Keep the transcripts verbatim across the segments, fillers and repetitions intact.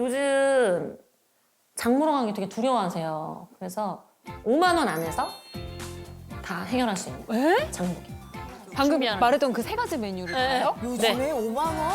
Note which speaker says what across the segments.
Speaker 1: 요즘 장 보러 가는 게 되게 두려워하세요. 그래서 오만 원 안에서 다 해결할 수 있는
Speaker 2: 에?
Speaker 1: 장보기.
Speaker 2: 방금
Speaker 1: 준비하는
Speaker 2: 말했던 그 세 가지 메뉴를 다요?
Speaker 3: 요즘에 오만 원?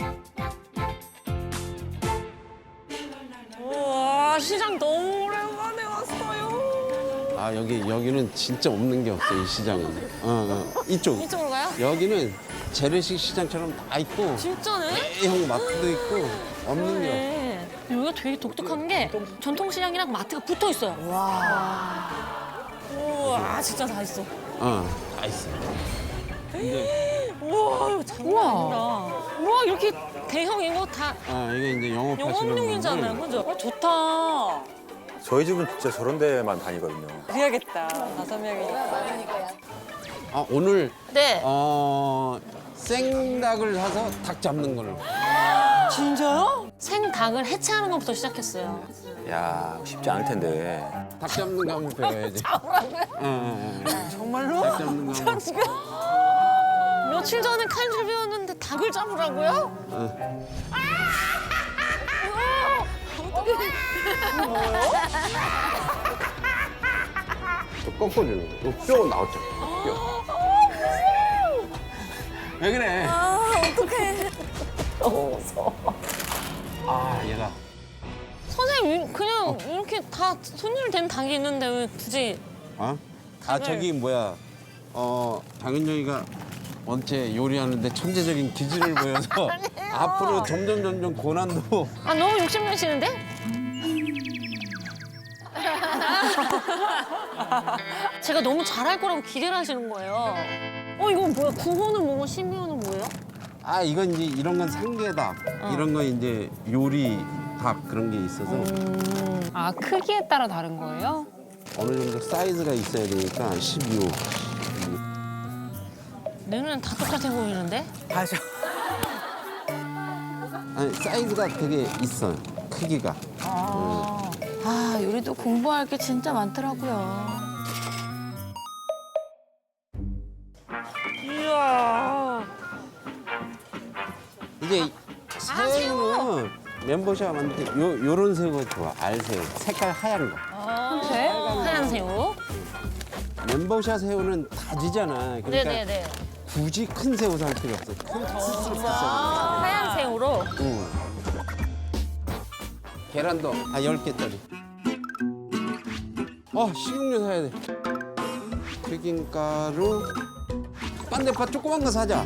Speaker 1: 우와, 시장 너무 오랜만에 왔어요.
Speaker 4: 아 여기 여기는 진짜 없는 게 없어 이 시장은. 어, 어. 이쪽.
Speaker 1: 이쪽으로 가요?
Speaker 4: 여기는 재래식 시장처럼 다 있고
Speaker 1: 진짜네?
Speaker 4: 대형 마트도 있고 없는 게
Speaker 1: 네. 여기가 되게 독특한 게 전통시장이랑 마트가 붙어 있어요. 와. 우와, 진짜 다 있어.
Speaker 4: 없어. 어다 있어. 근데
Speaker 1: 우와, 이거 장난 아니다. 우와, 이렇게 대형 이거 다
Speaker 4: 아 이게 이제 영업하시는
Speaker 1: 영업용이잖아요.
Speaker 4: 분들.
Speaker 1: 그죠? 어, 좋다.
Speaker 5: 저희 집은 진짜 저런 데만 다니거든요.
Speaker 2: 그래야겠다. 다섯 명이니까.
Speaker 4: 아 오늘
Speaker 1: 네.
Speaker 4: 어 생닭을 사서 닭 잡는 걸로.
Speaker 1: 진짜요? 생닭을 해체하는 것부터 시작했어요.
Speaker 5: 야 쉽지 않을 텐데.
Speaker 4: 닭 잡는 거 한번 배워야지. 어, 정말로? 닭 잡는 거 한번.
Speaker 1: 며칠 전에 칼질 배웠는데 닭을 잡으라고요?
Speaker 4: 또 꺾어주는 거. 뼈 나왔죠. 뼈. 왜 그래?
Speaker 1: 아, 어떡해. 너무 무서워.
Speaker 4: 아 얘가.
Speaker 1: 선생님, 그냥 이렇게 다 손질 된 닭이 있는데 왜 굳이.
Speaker 4: 어? 아 저기 뭐야 어 장윤정이가 원체 요리하는데 천재적인 기질을 보여서 앞으로 점점 점점 고난도
Speaker 1: 아, 너무 욕심내시는데? 제가 너무 잘할 거라고 기대를 하시는 거예요. 어, 이건 뭐야? 구호는 뭐고 신비호는 뭐예요?
Speaker 4: 아 이건 이제 이런 건 상계닭 이런 건 이제 요리 닭 그런 게 있어서
Speaker 2: 아, 크기에 따라 다른 거예요?
Speaker 4: 어느 정도 사이즈가 있어야 되니까 십이호.
Speaker 1: 내 눈엔 다 똑같아 보이는데?
Speaker 3: 맞아.
Speaker 4: 아니 사이즈가 되게 있어 크기가.
Speaker 6: 아, 요리도 공부할 게 진짜 많더라고요.
Speaker 1: 이야.
Speaker 4: 이게 새우는 멤버샵 만들 때 요, 요런 새우가 좋아 알새우 색깔 하얀 거.
Speaker 1: 하얀 새우.
Speaker 4: 멤버샷 새우는 다지잖아. 그러니까
Speaker 1: 네네네.
Speaker 4: 굳이 큰 새우 살 필요 없어. 큰 닭을 샀어.
Speaker 1: 하얀 새우로.
Speaker 4: 응. 계란도 아 열 개짜리. 어 식용유 사야 돼. 튀김가루. 빤대파 조그만 거 사자.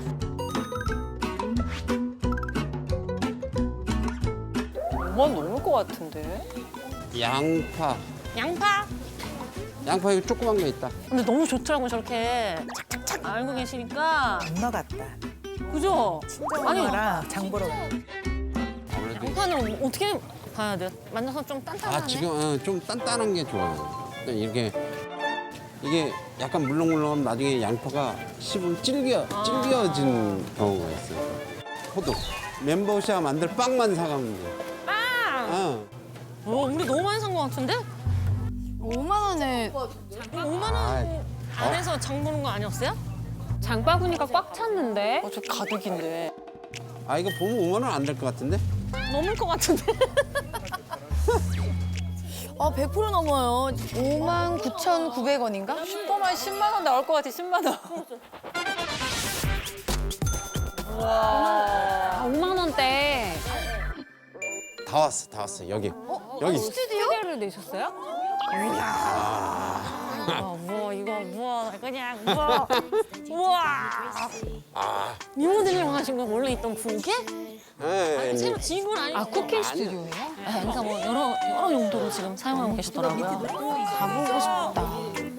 Speaker 2: 오만 넘을 것 같은데.
Speaker 4: 양파.
Speaker 1: 양파.
Speaker 4: 양파 이거 조그만 거 있다.
Speaker 1: 근데 너무 좋더라고요, 저렇게 착착착 알고 계시니까.
Speaker 3: 엄마 같다.
Speaker 1: 그죠? 아니,
Speaker 3: 엄마랑 장 보러 가.
Speaker 4: 아무래도
Speaker 1: 양파는 어떻게 봐야 돼요? 만져서 좀 단단하네?
Speaker 4: 아 지금 어, 좀 단단한 게 좋아요. 이렇게 이게 약간 물렁물렁하면 나중에 양파가 씹으면 질겨 질겨진 경우가 있어요. 호두 멤버샵 만들 빵만 사가면 돼.
Speaker 1: 빵!
Speaker 4: 어.
Speaker 1: 어, 우리 너무 많이 산 것 같은데?
Speaker 6: 오만 원에
Speaker 1: 오만 원 안에서 장 보는 거 아니었어요?
Speaker 2: 장바구니가 꽉 찼는데.
Speaker 1: 어, 저 가득인데.
Speaker 4: 아 이거 보면 오만 원 안 될 것 같은데?
Speaker 1: 넘을 것 같은데?
Speaker 6: 아, 백 퍼센트 넘어요. 오만 구천구백 원인가?
Speaker 2: 슈퍼만 십만 원 나올 것 같아, 십만 원. 와. 오만 원대.
Speaker 4: 다 왔어 다 왔어 여기 여기.
Speaker 2: 스튜디오를 내셨어요?
Speaker 1: 어, 뭐, 이거, 뭐, 그냥, 뭐. 우와! 미모들이랑 하신 거 원래 있던 구게?
Speaker 4: 예, 예,
Speaker 1: 새로 지은 건 아니고.
Speaker 2: 아, 쿠킹 스튜디오예요?
Speaker 1: 네, 그러니까 뭐 여러, 여러 용도로 지금 사용하고 계시더라고요.
Speaker 6: 가보고 싶다.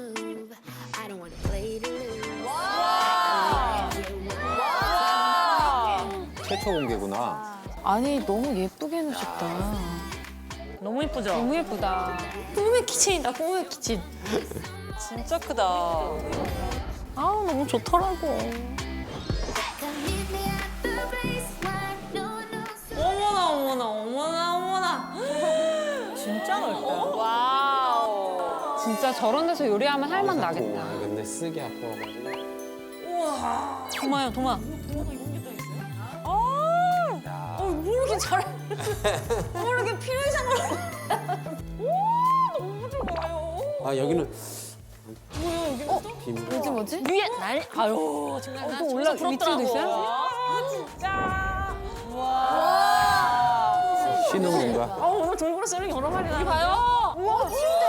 Speaker 5: 최초 공개구나.
Speaker 6: 아니, 너무 예쁘게 해놓으셨다.
Speaker 1: 너무 이쁘죠?
Speaker 2: 너무 예쁘다.
Speaker 1: 꿈의 키친이다, 꿈의 키친.
Speaker 2: 진짜 크다.
Speaker 1: 아우, 너무 좋더라고. 어머나, 어머나, 어머나, 어머나.
Speaker 2: 진짜 넓다. 와우. 진짜 저런 데서 요리하면 할 맛 나겠다.
Speaker 4: 아, 근데 쓰기 아까워가지고.
Speaker 1: 우와. 도마요, 도마. 아, 어, 뭐야, 이렇게 잘, 뭐 이렇게 필요이상으로. 오, 너무 좋아요.
Speaker 4: 아 여기는
Speaker 1: 뭐야, 여기 어?
Speaker 4: 비밀.
Speaker 6: 뭐지 뭐지?
Speaker 1: 위에 날, 아유, 정말
Speaker 2: 어,
Speaker 1: 나
Speaker 2: 또
Speaker 1: 진짜
Speaker 2: 올라-
Speaker 1: 부럽더라고.
Speaker 2: 밑으로도 있어요?
Speaker 1: 아, 진짜.
Speaker 5: 신흥인가?
Speaker 1: 아, 오늘 돌고래 쓰는 여러 마리 나. 여기 봐요. 우와, 침대.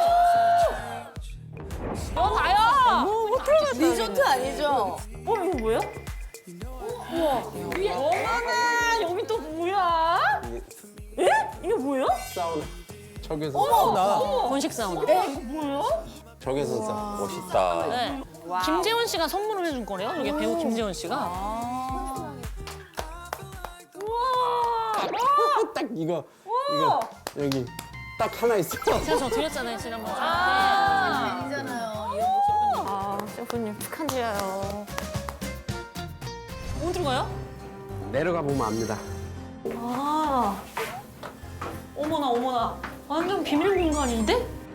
Speaker 1: 어, 봐요. 못 들어갔다.
Speaker 6: 리조트 아니죠?
Speaker 1: 어, 이거 뭐야? 우와, 위에. 어머나, 여기 또 뭐야? 에? 이게 뭐야?
Speaker 4: 사우나. 적외선
Speaker 1: 어머, 건식 사우나. 에? 이거 뭐야?
Speaker 4: 적외선 사우나.
Speaker 5: 멋있다.
Speaker 1: 네. 김재원 씨가 선물을 해준 거래요. 이게 배우 김재원 씨가. 우와.
Speaker 4: 딱 이거 이거 여기 딱 하나 있어.
Speaker 1: 제가 저 드렸잖아요 지난번 때.
Speaker 6: 아니잖아요. 이런 거
Speaker 1: 아, 셰프님 축하드려요. 어디로 가요?
Speaker 4: 내려가 보면 압니다.
Speaker 1: 아, 어머나 어머나, 완전 비밀 공간인데?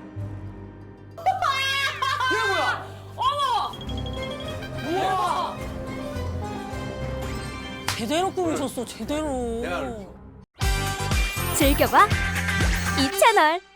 Speaker 1: 이게 뭐야? 어머! 우와! 제대로 꾸미셨어, 제대로.
Speaker 7: 즐겨봐 이 채널.